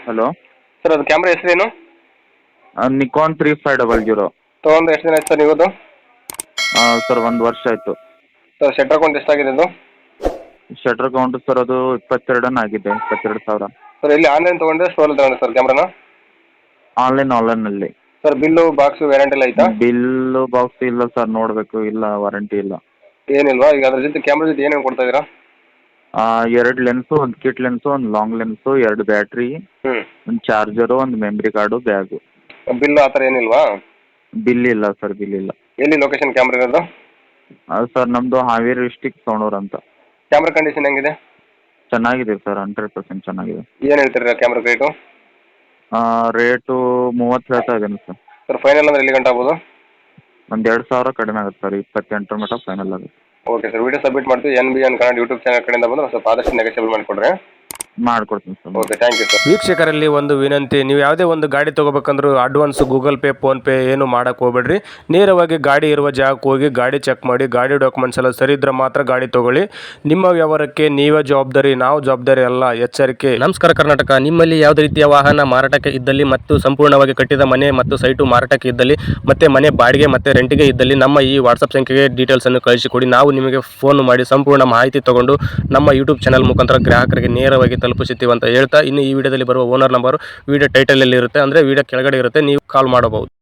Hello. Sir ಅದು camera ಹೆಸರೇನು? Nikon 3500. ತೊಗೊಂಡು ಎಷ್ಟು ದಿನ ಆಯ್ತು ಸರ್ ನೀವದು? ಸರ್ 1 ವರ್ಷ ಆಯಿತು. ಸರ್ ಶಟರ್ ಅಕೌಂಟ್ ಎಷ್ಟಾಗಿದೆ ಅದು? ಶಟರ್ ಅಕೌಂಟ್ ಸರ್ ಅದು 22 ಆಗಿದೆ, 22,000. ಸರ್ ಎಲ್ಲಿ ಆನ್ಲೈನ್ ತೊಗೊಂಡ್ರೆ ಸ್ಟೋರಲ್ಲಿ ತೊಗೊಂಡ್ರೆ ಸರ್ ಕ್ಯಾಮ್ರಾನ? ಆನ್ಲೈನಲ್ಲಿ. ಸರ್ ಬಿಲ್ಲು ಬಾಕ್ಸು ವ್ಯಾರಂಟಿ ಎಲ್ಲ ಆಯ್ತಾ? ಬಿಲ್ಲು ಬಾಕ್ಸ್ ಇಲ್ಲ ಸರ್, ನೋಡಬೇಕು. ಇಲ್ಲ, ವಾರಂಟಿ ಇಲ್ಲ. ಏನಿಲ್ವಾ? ಈಗ ಅದ್ರ ಜೊತೆ ಕ್ಯಾಮ್ರಾ ಜೊತೆ ಏನೇನು ಕೊಡ್ತಾ ಇದ್ದೀರಾ? 2 ಲೆನ್ಸು, ಒಂದು ಕಿಟ್ ಲೆನ್ಸು, ಒಂದು ಲಾಂಗ್ ಲೆನ್ಸು, 2 ಬ್ಯಾಟ್ರಿ, ಒಂದು ಚಾರ್ಜರು, ಒಂದು ಮೆಮ್ರಿ ಕಾರ್ಡು, ಬ್ಯಾಗು. ಬಿಲ್ಲು ಆ ಥರ ಏನಿಲ್ವಾ? ಬಿಲ್ ಇಲ್ಲ ಸರ್, ಬಿಲ್ ಇಲ್ಲ. ಎಲ್ಲಿ ಲೊಕೇಶನ್ ಕ್ಯಾಮ್ರಾ ಇರೋದು? ಸರ್ ನಮ್ಮದು ಹಾವೇರಿ ಡಿಸ್ಟಿಕ್ ಸೋಣೂರು ಅಂತ. ಕ್ಯಾಮ್ರಾ ಕಂಡೀಷನ್ ಹೆಂಗಿದೆ? ಚೆನ್ನಾಗಿದೆ ಸರ್, 100% ಚೆನ್ನಾಗಿದೆ. ಏನು ಹೇಳ್ತೀರಾ ಕ್ಯಾಮ್ರಾ ರೇಟು? ರೇಟು 30 ಹೇಳ್ತಾ ಇದ್ದೀನಿ ಸರ್. ಸರ್ ಫೈನಲ್ ಅಂದ್ರೆ ಎಲ್ಲಿ ಗಂಟೆ ಆಗ್ಬೋದು? ಒಂದು 2,000 ಕಡಿಮೆ ಆಗುತ್ತೆ ಸರ್, 28 ಮಟ್ಟ ಫೈನಲ್ ಆಗುತ್ತೆ. ಓಕೆ ಸರ್, ವಿಡಿಯೋ ಸಬ್ಮಿಟ್ ಮಾಡ್ತೀವಿ. NBN ಕನ್ನಡ ಯೂಟ್ಯೂಬ್ ಚಾನಲ್ ಕಡೆಯಿಂದ ಬಂದು ಸ್ವಲ್ಪ ಆದಷ್ಟು ನೆಗೆಸೇಬಲ್ ಮಾಡಿಕೊಡ್ರಿ. ಮಾಡ್ಕೊಡ್ತೀನಿ sir. Okay, thank you sir. ವೀಕ್ಷಕರಲ್ಲಿ ಒಂದು ವಿನಂತಿ, ನೀವು ಯಾವುದೇ ಒಂದು ಗಾಡಿ ತೊಗೋಬೇಕಂದ್ರೂ ಅಡ್ವಾನ್ಸ್ ಗೂಗಲ್ ಪೇ, ಫೋನ್ಪೇ ಏನು ಮಾಡೋಕ್ಕೆ ಹೋಗ್ಬೇಡ್ರಿ. ನೇರವಾಗಿ ಗಾಡಿ ಇರುವ ಜಾಗಕ್ಕೆ ಹೋಗಿ ಗಾಡಿ ಚೆಕ್ ಮಾಡಿ, ಗಾಡಿ ಡಾಕ್ಯುಮೆಂಟ್ಸ್ ಎಲ್ಲ ಸರಿ ಇದ್ರೆ ಮಾತ್ರ ಗಾಡಿ ತೊಗೊಳ್ಳಿ. ನಿಮ್ಮ ವ್ಯವಹಾರಕ್ಕೆ ನೀವೇ ಜವಾಬ್ದಾರಿ, ನಾವು ಜವಾಬ್ದಾರಿ ಅಲ್ಲ, ಎಚ್ಚರಿಕೆ. ನಮಸ್ಕಾರ ಕರ್ನಾಟಕ. ನಿಮ್ಮಲ್ಲಿ ಯಾವುದೇ ರೀತಿಯ ವಾಹನ ಮಾರಾಟಕ್ಕೆ ಇದ್ದಲ್ಲಿ ಮತ್ತು ಸಂಪೂರ್ಣವಾಗಿ ಕಟ್ಟಿದ ಮನೆ ಮತ್ತು ಸೈಟು ಮಾರಾಟಕ್ಕೆ ಇದ್ದಲ್ಲಿ ಮತ್ತು ಮನೆ ಬಾಡಿಗೆ ಮತ್ತು ರೆಂಟಿಗೆ ಇದ್ದಲ್ಲಿ ನಮ್ಮ ಈ ವಾಟ್ಸಪ್ ಸಂಖ್ಯೆಗೆ ಡೀಟೇಲ್ಸನ್ನು ಕಳಿಸಿಕೊಡಿ. ನಾವು ನಿಮಗೆ ಫೋನ್ ಮಾಡಿ ಸಂಪೂರ್ಣ ಮಾಹಿತಿ ತಗೊಂಡು ನಮ್ಮ ಯೂಟ್ಯೂಬ್ ಚಾನಲ್ ಮುಖಾಂತರ ಗ್ರಾಹಕರಿಗೆ ನೇರವಾಗಿ ತಲುಪಿಸುತ್ತೀವಿ ಅಂತ ಹೇಳ್ತಾ, ಇನ್ನು ಈ ವಿಡಿಯೋದಲ್ಲಿ ಬರುವ ಓನರ್ ನಂಬರ್ ವಿಡಿಯೋ ಟೈಟಲಲ್ಲಿ ಇರುತ್ತೆ, ಅಂದರೆ ವಿಡಿಯೋ ಕೆಳಗಡೆ ಇರುತ್ತೆ, ನೀವು ಕಾಲ್ ಮಾಡಬಹುದು.